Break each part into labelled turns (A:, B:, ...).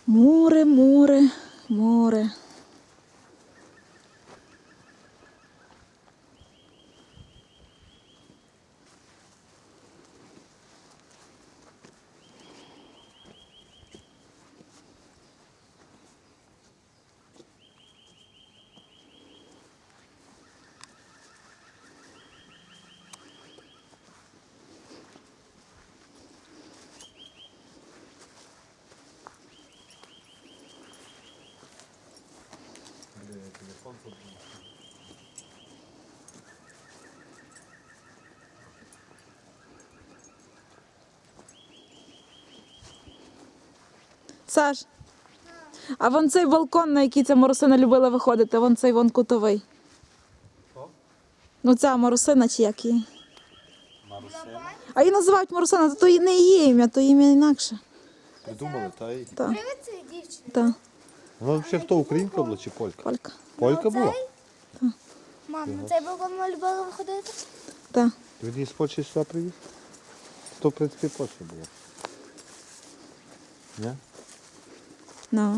A: Море, море, море. Саш, а вон цей балкон, на який ця Марусина любила виходити, вон цей вон кутовий.
B: Що?
A: Ну ця Марусина чи як її?
B: Марусина.
A: А її називають Марусина, то не її ім'я, то ім'я інакше.
B: Придумали, та й.
A: Так,
C: Привіт, це дівчина.
A: так,
B: Вона взагалі хто, українка була чи полька?
A: Полька.
B: Полька була?
C: Мам, на цей балкон ми любили виходити?
A: Так.
B: Він її з Польщі сюди привіз? То, в принципі, Польща була. Ні?
A: Ну.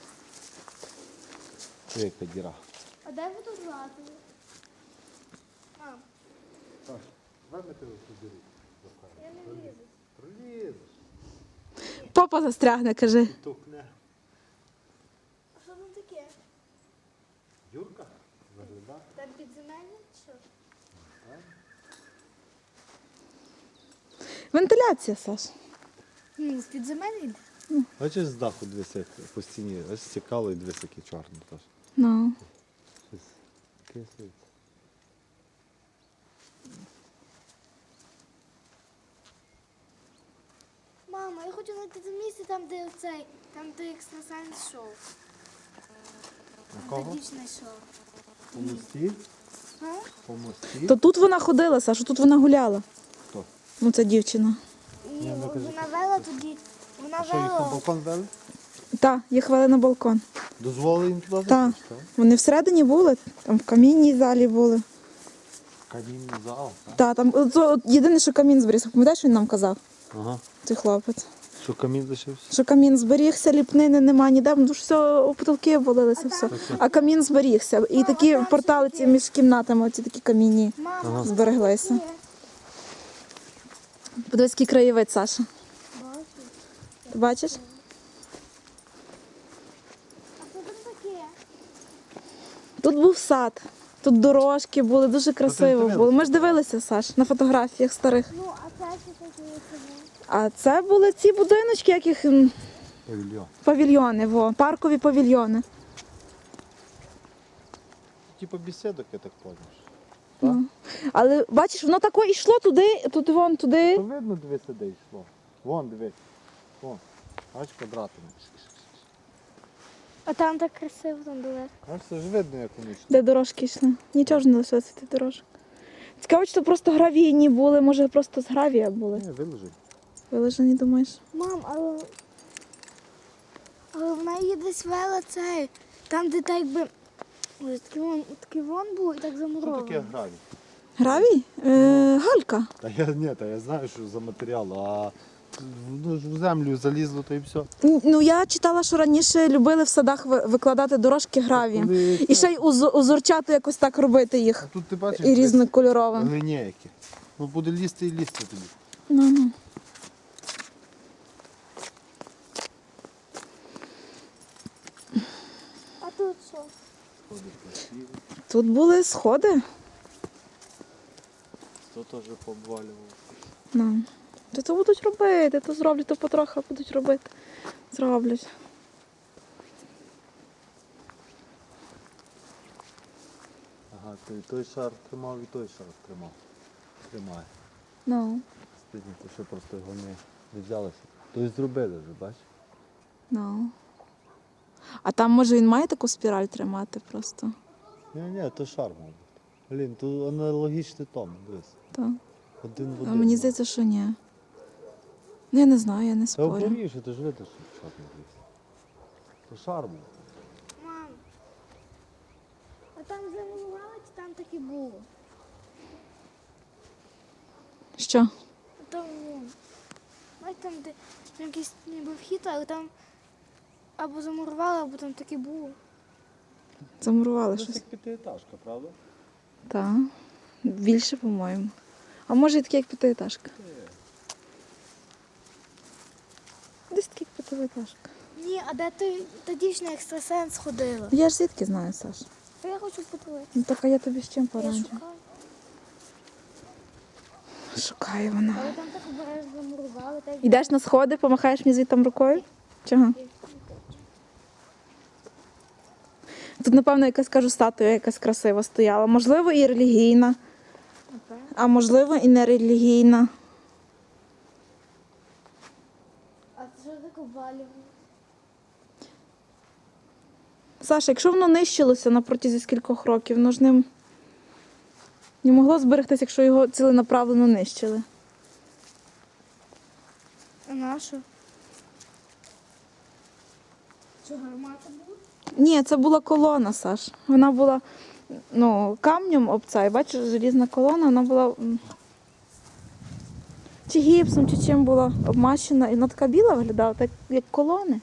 B: Яка діра.
C: А де ви тут лазили? Мам,
B: Вимити собі.
C: я не лізу.
B: Пролізеш.
A: Попа застрягне, кажи.
B: Тухне.
C: А що там таке?
B: Юрка? Загляда.
C: Там підземельне чи що?
A: Вентиляція, Саш.
C: Ну, з підземельне?
B: Бачиш, з даху дивися, як по стіні. Ось стікало і дивись, яке чорне теж.
A: Ну.
B: Щось кислиться.
C: Мама, я хочу знайти це місце, там, де оцей, там, де екстрасенс шоу.
B: На
C: Там
B: кого?
C: дівчина йшов.
B: По мості?
C: А?
B: По мості?
A: То тут вона ходила, Саша, тут вона гуляла.
B: Хто?
A: Ну, це дівчина.
C: І
B: ну, кажи.
C: вона вела тоді, вона
B: А що, їх на
C: вела.
B: балкон вели?
A: Так, їх вели на балкон.
B: Дозволили їм туди
A: Так.
B: зайти? що?
A: Вони всередині були, там в камінній залі були.
B: Камінний зал, так?
A: Так, там от єдине, що камін зберігся. Пам'ятаєш, що він нам казав,
B: Ага.
A: цей хлопець?
B: Що камін лишився?
A: Що камін зберігся, ліпнини нема ніде, тому що все, у потолки обвалилося все. А камін зберігся. І такі портали ці між кімнатами, оці такі камінні
C: Мама,
A: збереглися. Подивись, який краєвид, Саша. Ти бачиш?
C: а що там таке?
A: Тут був сад, тут дорожки були, дуже красиво
B: дивилася?
A: було. Ми ж дивилися, Саш, на фотографіях старих.
C: Ну, а це що таке?
A: А це були ці будиночки, яких
B: Павільйон.
A: павільйони, паркові павільйони.
B: Типа беседок, я так понял.
A: Ну. Але бачиш, воно тако йшло туди, вон туди.
B: То видно, дивися, де йшло. Вон, дивись. Вон. Бач, квадратами.
C: А там так красиво, там далеко.
B: Бач, це ж видно, як вони йшли.
A: Де дорожки йшли. Нічого ж не лишилося тих дорожок. Цікаво, чи то просто гравійні були, може просто з гравія були.
B: Ні, виложи.
A: Вилежені, думаєш?
C: Мам, але вона її десь вела цей. Там, де так якби ось такий вон був і так
B: Що
C: замуровано.
B: таке гравій?
A: Гравій? Галька.
B: Та я знаю, що за матеріал, а ну, ж в землю залізло, то і все.
A: Ну, я читала, що раніше любили в садах викладати дорожки гравієм. І ще й узорчати якось так робити їх.
B: А тут ти бачиш,
A: І різнокольоровим.
B: вони ніякі. Ну буде лізти і лізти тобі.
A: Ну.
C: А тут що?
A: Тут були сходи.
B: То теж пообвалював.
A: Ну. То будуть робити, то зроблять, то потрохи будуть робити. Зроблять.
B: Ага, то і той шар тримав, і той шар тримав. Тримає.
A: Ну.
B: Стидно, то що просто його не взялося. То і зробили вже, бачиш?
A: Ну. А там, може, він має таку спіраль тримати просто?
B: Ні, то шар мав бути. Блін, то аналогічний том, дивись.
A: Так.
B: Один в
A: А
B: один.
A: мені здається, що ні. Ну, я не знаю, я не
B: Та
A: спорю.
B: оборіше, ти ж видиш, що чорний ліс. То шар був.
C: Мам. А там замалювали, чи там так і було?
A: Що?
C: А там вон. Бачиш, там де там якийсь ніби вхід, але там або замурували, або там таке було.
A: Замурували
B: Це
A: щось.
B: як п'ятиэтажка, правда?
A: Так. Більше, по-моєму. А може і таке, як п'ятиэтажка. Десь таке, як п'ятиэтажка.
C: Ні, а де той та дівчина екстрасенс ходила?
A: Я ж звідки знаю, Саш?
C: Та я хочу подивитися.
A: Ну так, а я тобі з чим
C: Я
A: пораджу?
C: шукаю.
A: Шукає вона.
C: Але там так обережно замурували, так
A: Йдеш на сходи, помахаєш мені звідти рукою? Чого? Тут, напевно, якась, кажу, статуя якась красива стояла. Можливо, і релігійна, а можливо, і не релігійна.
C: А це що таке обвалювало?
A: Саша, якщо воно нищилося на протязі скількох років, воно ж не могло зберегтися, якщо його ціленаправленно нищили.
C: А на що? Що, гармата була?
A: Ні, це була колона, Саш. Вона була камнем обця, і бачиш, желізна колона, вона була чи гіпсом, чи чим була обмащена. І вона така біла виглядала, так як колони.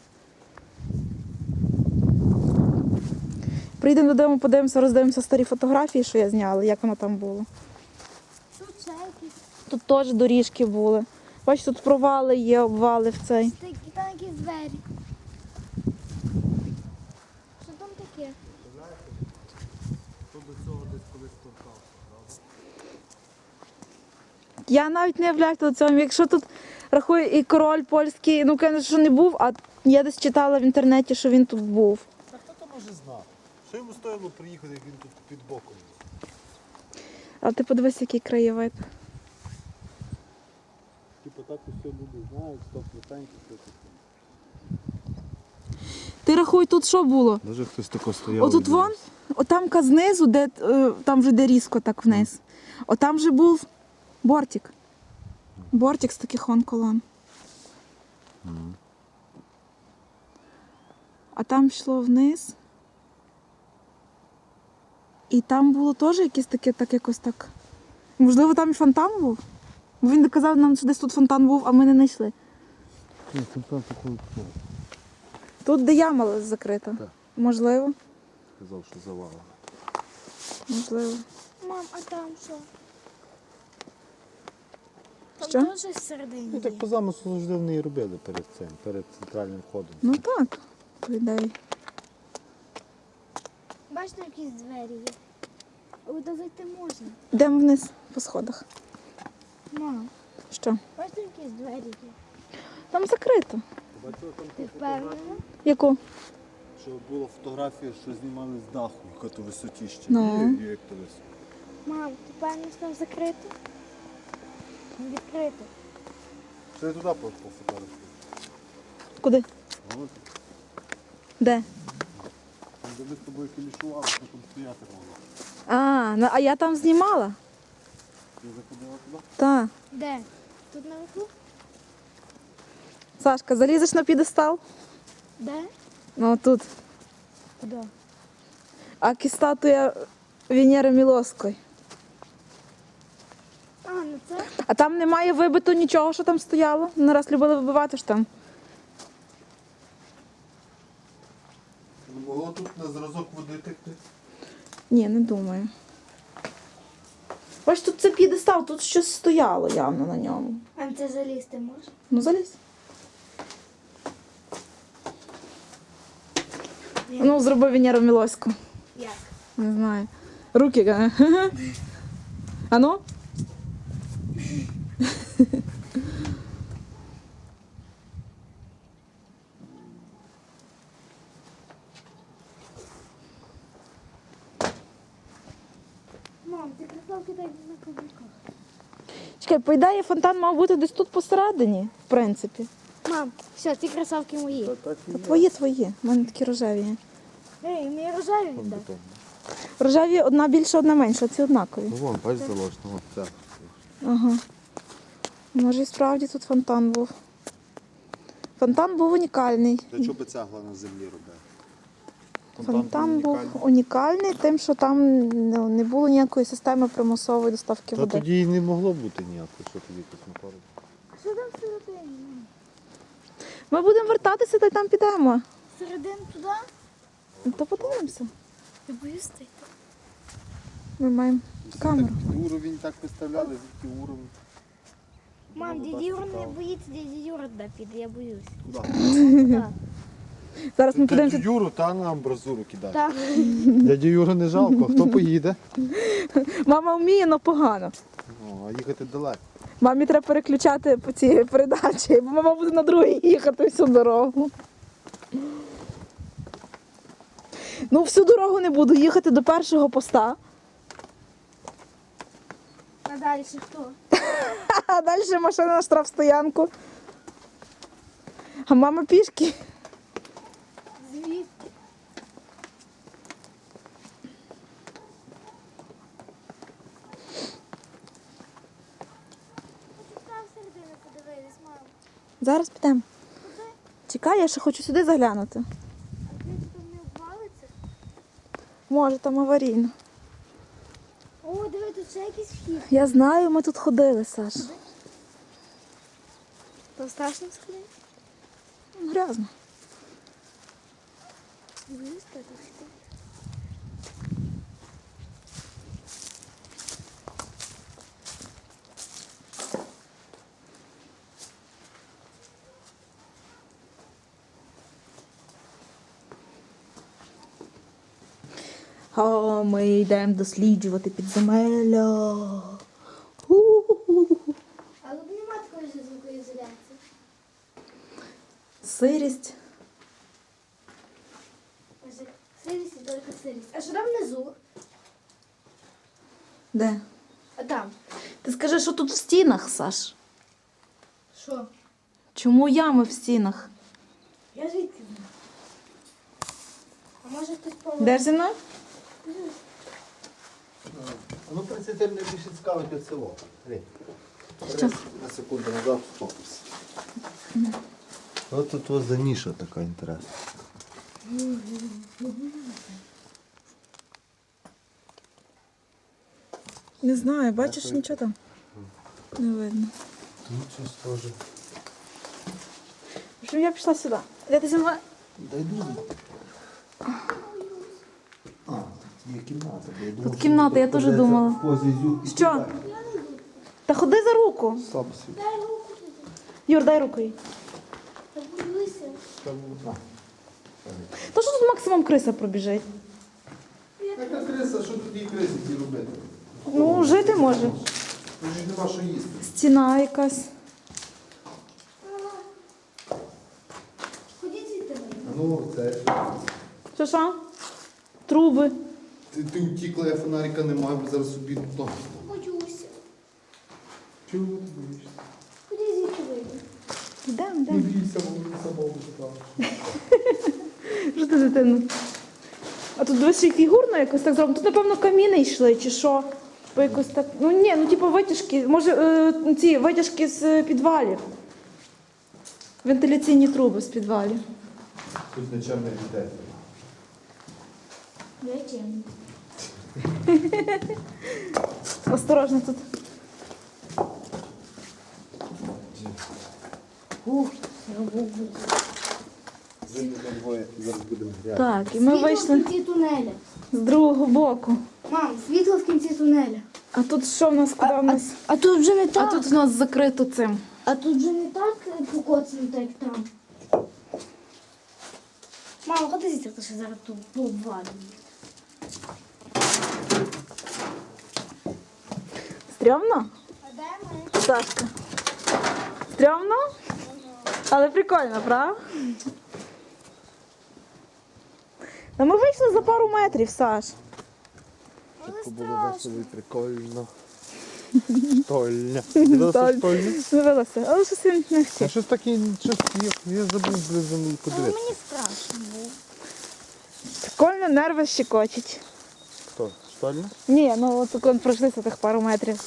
A: Приїдемо додому, подивимося, роздивимося старі фотографії, що я зняла, як воно там було.
C: Тут ще якісь.
A: Тут теж доріжки були. Бачиш, тут провали є, обвали в цей.
C: Там якісь двері. Що там таке?
B: То до цього десь колись торкався, правда?
A: Я навіть не являюся до цього. Якщо тут рахую і король польський, конечно, що не був, а я десь читала в інтернеті, що він тут був.
B: Та хто то може знати? Що йому стоїло приїхати, як він тут під боком був?
A: А ти подивись, який краєвид.
B: Типу так усе люди знають, 100% все таке.
A: Ти рахуй, тут що було?
B: Даже хтось тако стояв.
A: Отут вон, отамка знизу, де там вже де різко так вниз. Отам же був бортик. Бортик з таких вон колон. А там йшло вниз. І там було теж якесь таке, так якось так. Можливо, там і фонтан був? Бо він казав нам, що десь тут фонтан був, а ми не знайшли.
B: Ні, фонтан такий,
A: Тут де яма закрита.
B: Так.
A: Можливо.
B: казав, що завалено.
A: Можливо.
C: Мам, а там що? Там
A: Що?
C: теж всередині
B: Ну
C: є.
B: так по замислу завжди вони і робили перед цим, перед центральним входом.
A: Ну так, по ідеї.
C: Бачите, якісь двері є. Туди зайти можна.
A: Йдемо вниз по сходах.
C: Мам,
A: Що?
C: бачите, якісь двері є.
A: Там закрито.
B: Бачила там
C: Ти впевнена?
A: Яку?
B: що була фотографія, що знімали з даху, яка то висотіще.
A: Ну.
B: І як то високо.
C: Мам, ти впевнена, що там закрито? Там відкрито.
B: Що я туди пофотографую?
A: Куди?
B: От,
A: Де?
B: там де ми з тобою кілішували, що там стояти могла.
A: А я там знімала.
B: Ти заходила туди?
A: Так.
C: Де? Тут наверху?
A: Сашка, залізеш на підестал?
C: Де?
A: Ну тут.
C: Куди?
A: А статуя Венери Мілоської.
C: А, ну це?
A: А там немає вибито нічого, що там стояло. Не раз любили вибивати ж там.
B: Не могло тут на зразок води текти?
A: Ні, не думаю. Бач, тут це підестал, тут щось стояло явно на ньому.
C: А це залізти можна?
A: Ну залізь. Ну, зроби Венеру Мілоську.
C: Як?
A: Не знаю. Руки. А ну?
C: Мам, ти кросовки так на каблуках.
A: Чекай, по ідеї фонтан мав бути десь тут посередині, в принципі.
C: Мам, все, ці кросовки мої.
B: Та так і є.
A: Твої. У мене такі рожеві є.
C: Ей, мені рожеві
B: Вон
C: віддай.
B: потім.
A: Рожеві одна більша, одна менша, ці однакові.
B: Ну вон, бач заложено, вон ця.
A: Ага. Може і справді тут фонтан був. Фонтан був унікальний.
B: Для чого би цегла на землі робити?
A: Фонтан був унікальний тим, що там не було ніякої системи примусової доставки
B: Та
A: води.
B: тоді і не могло бути ніякого, що тоді космопорт.
C: Що там всередині?
A: Ми будемо вертатися та й там підемо.
C: всередину туди?
A: Ну, то подивимося.
C: Я боюсь ти.
A: Ми маємо камеру.
B: Уровень так виставляли, звідки уровень.
C: Мам,
B: Ну,
C: дядя
B: так
C: Юра не
B: цікаво.
C: боїться, дядя Юра туди піде, я боюсь.
B: Куди?
C: Так.
A: Зараз ми
B: Дядю
A: подивимося.
B: Юру та на амбразуру кидати.
C: Так.
B: Дядю Юру не жалко, хто поїде?
A: Мама вміє, але погано.
B: О, а їхати далеко.
A: Мамі треба переключати по цій передачі, бо мама буде на другій їхати всю дорогу. Ну, всю дорогу не буду їхати до першого поста,
C: А далі хто?
A: а далі машина на штрафстоянку. А мама пішки.
C: Звідки? Там всередину подивились, мам.
A: Зараз підемо. Чекай, я ще хочу сюди заглянути.
C: А ти там не обвалиться?
A: Може, там аварійно.
C: О, диви, тут ще якийсь вхід.
A: Я знаю, ми тут ходили, Саш.
C: То страшно сходити?
A: Грязно.
C: Боюсь, так вхід.
A: А ми йдемо досліджувати підземелля. У-у-у.
C: А тут нема такої звукоізоляції.
A: Сирість.
C: Сирість і тільки сирість. А що там внизу?
A: Де?
C: А там?
A: Ти скажи, що тут в стінах, Саш?
C: Що?
A: Чому ями в стінах?
C: Я звідки знаю? А може хтось помер?
A: Де ж зі мною?
B: Ну, в принципі, мене більше цікавить від село.
A: Що?
B: На секунду назад фокус. Ось тут ось за ніша така інтересна.
A: Не знаю, бачиш, нічого там не видно.
B: Тут щось схоже.
A: В общем, я пішла сюди. Де ти зі мною?
B: Дай дуже. А, тут є кімната. бо я думав, що
A: кімната,
B: тут
A: я теж
B: придеться
A: думала.
B: в позі зюк і
A: Що?
B: кидати.
A: Та ходи за руку.
B: Слабо світ.
C: Дай руку туди.
A: Юр, дай руку їй.
C: Та боюся.
B: Там, а.
A: То що тут максимум криса пробіжить?
B: Яка криса, що тут є криси ті робити?
A: Ну, жити може.
B: Тут ж нема що їсти.
A: Стіна якась.
C: Ходіть звідти.
B: А ну, це.
A: Що що? Труби.
B: Ти втікла, я фонарика немає, бо зараз собі то.
C: Боюся.
B: Чого ти боїшся?
C: Ходіть звідти вийди.
A: Йдемо,
B: Не
A: йдемо.
B: бійся, бо мені самого буде.
A: Що ти, дитину? А тут дивись, і фігурно якось так зроблено. Тут, напевно, каміни йшли, чи що? Бо якось так. Ну ні, ну типу витяжки. Може, ці витяжки з підвалів. Вентиляційні труби з підвалів.
B: Тут нічим не йде.
C: Зачем?
A: Осторожно тут.
B: Видно, там двоє зараз будемо гряти.
A: Так, і ми
C: Світло
A: вийшли
C: в кінці тунеля.
A: з другого боку.
C: Мам, світло в кінці тунеля.
A: А тут що в нас, куди в нас?
C: А тут вже не
A: А
C: так.
A: тут в нас закрито цим.
C: А тут вже не так покоцано, так як там. Мама, ходи звідти, то що зараз тут обвалює.
A: Стрьомно?
C: А де ми?
A: Сашка. Стрьомно? Але прикольно, правда? Ну ми вийшли за пару метрів, Саш.
B: Це було весело і прикольно. Штольня. Дивилася штольня?
A: Дивилася, але щось він не
B: А
A: хотів.
B: щось таке, щось я забув близько подивитися.
C: Мені страшно було.
A: Прикольно, нерви щекочуть.
B: Хто? Штольня?
A: Ні, ну от коли пройшлися тих пару метрів.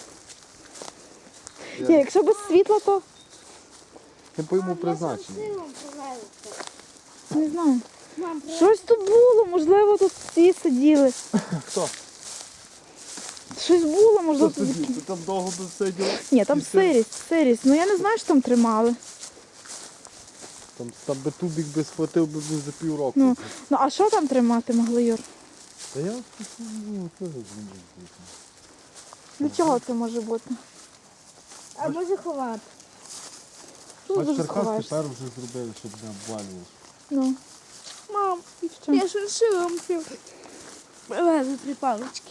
A: Ні, якщо без світла, то
B: Не пойму призначення.
C: Силом повелися.
A: не знаю.
C: Мам,
A: Щось тут було, можливо, тут всі сиділи.
B: Хто?
A: Щось було, можливо.
B: Хто
A: Тут...
B: сидів? Ти там довго досидів?
A: Ні, там
B: І все?
A: сирість. Ну я не знаю, що там тримали.
B: Там би тубік би схватив би за півроку.
A: Ну а що там тримати могли, Юр?
B: Та я ну, теж зрозумів.
A: Для чого це може бути?
C: А може ховати.
A: Тут
B: Бач,
A: дуже
B: Черкас
A: сховаєшся.
B: тепер вже зробили, щоб не обвалювалося.
A: Ну.
C: Мам,
A: І що?
C: я ж шила привезли 3 палички.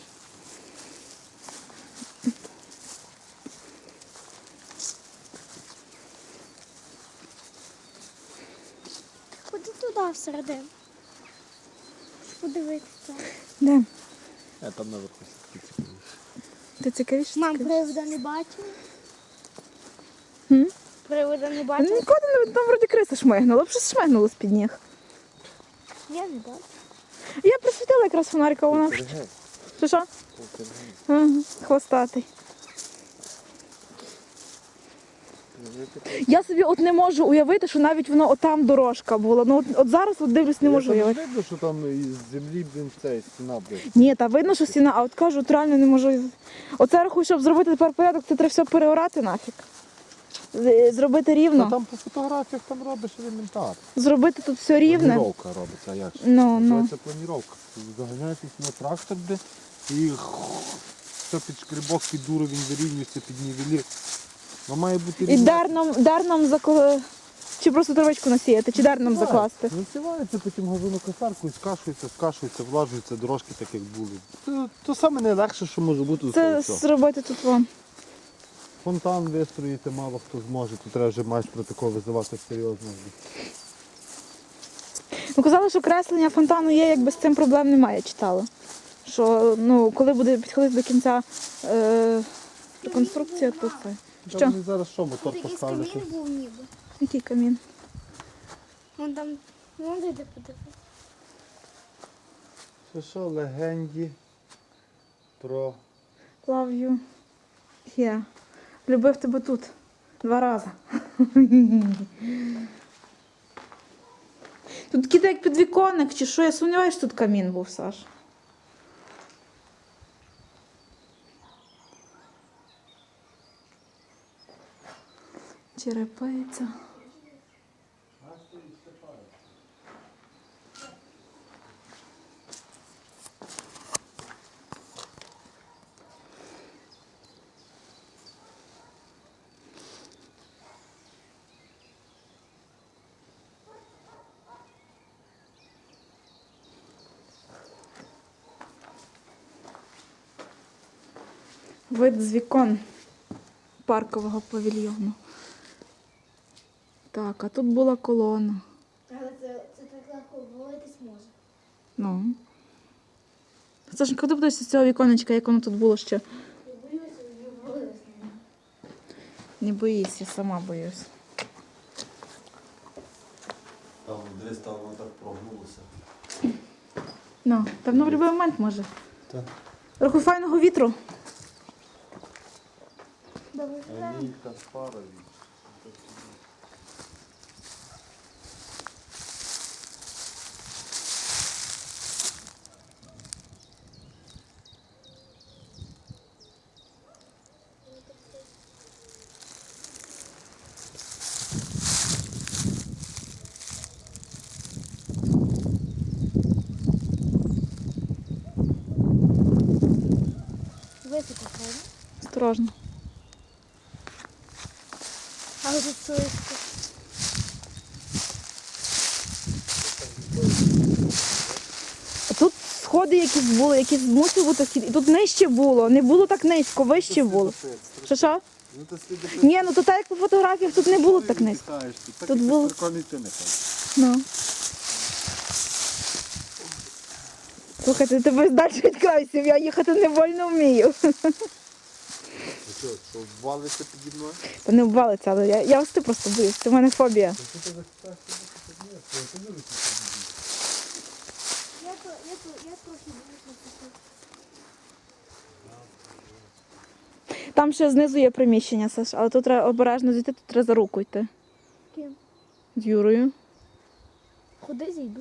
C: Ходи туди всередину. Подивитися.
A: Де?
B: Там наверху все цікавіше.
A: Ти цікавіше?
C: Мам, привода не бачила?
A: Хм?
C: Привода не
A: Ну,
C: бачила?
A: ніколи не там вроді криса шмигнула, б щось шмигнуло з-під ніг.
C: Я не бачу.
A: Я присвітила якраз фонарика, вона.
B: Полтергейст.
A: Що?
B: Полтергейст.
A: Ага, хвостатий. Я собі от не можу уявити, що навіть воно отам дорожка була. Ну от зараз от дивлюсь, не можу
B: Там
A: уявити.
B: видно, що там із землі, блін, цей стіна, блін.
A: Ні, та видно, що стіна, а от кажу, от реально не можу. Оце рахую, щоб зробити тепер порядок, це треба все переорати нафіг. Зробити
B: Та
A: рівно.
B: там по фотографіях там робиш елементар.
A: Зробити тут все рівне.
B: Планіровка робиться, а як ж?
A: Ну.
B: Називається планіровка. Заганяєтесь на трактор, де і все під шкребок, під уровень вирівнюється, під нівелір. Ну, має бути
A: І дерном чи просто травичку насіяти, чи дерном закласти.
B: Насівається потім газонокосаркою, скашується, влажується, дорожки так як були. То саме найлегше, що може бути.
A: Це
B: Все.
A: зробити тут вам.
B: Фонтан вистроїти мало хто зможе, тут треба вже майстра такого визивати серйозно.
A: Ну, казали, що креслення фонтану є, якби з цим проблем немає, читала. Що ну, коли буде підходити до кінця конструкція, то це.
B: Що?
A: Що?
B: Вони зараз що, мотор
C: Тут якийсь
B: поставлять?
C: камін був ніби.
A: Який камін?
C: Вон там, вон де подивитися.
B: Що, легенді про...
A: Love you here. Любив тебе тут. 2 рази. Тут такий як підвіконник, чи що? Я сумніваюся, що тут камін був, Саш. Черепиця. Вид з вікон паркового павільйону. Так, а тут була колона.
C: Але це так легко ввалитись може.
A: Ну. Сашенька, ти подивишся з цього віконечка, як воно тут було ще.
C: Я боюся, що ввалилась на нього.
A: Не боїсь, я сама боюсь.
B: Там десь там воно так прогнулося.
A: Ну, та воно в будь-який момент може.
B: Так.
A: Трохи файного вітру.
C: Добре,
B: А ні, там пара від.
C: високо, правда?
A: Осторожно.
C: Але тут слизько.
A: А тут сходи якісь були, якісь мусили бути схід. І тут нижче було. Не було так низько, вище було. Що?
B: Ну, то сліди
A: Ні, ну то так як по фотографіях тут не було так низько.
B: Тут
A: Тут було-
B: прикольний ти не ходиш.
A: Ну. Слухайте, тебе далі від крайсів, я їхати не вольно вмію.
B: Що ввалиться піді мною?
A: Та не обвалиться, але я вести просто боюсь, це в мене фобія.
C: Я трохи боюся.
A: Там ще знизу є приміщення, Саш, але тут треба обережно зійти, тут треба за руку йти.
C: Ким?
A: З Юрою.
C: Куди зійду?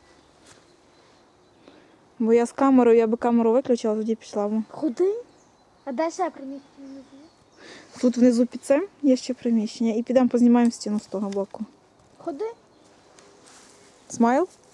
A: Бо я з камерою, я би камеру виключила, тоді пішла б.
C: Куди? А де ще приміщення?
A: Тут внизу під цим є ще приміщення. І підемо познімаємо стіну з того боку.
C: Ходи.
A: Смайл?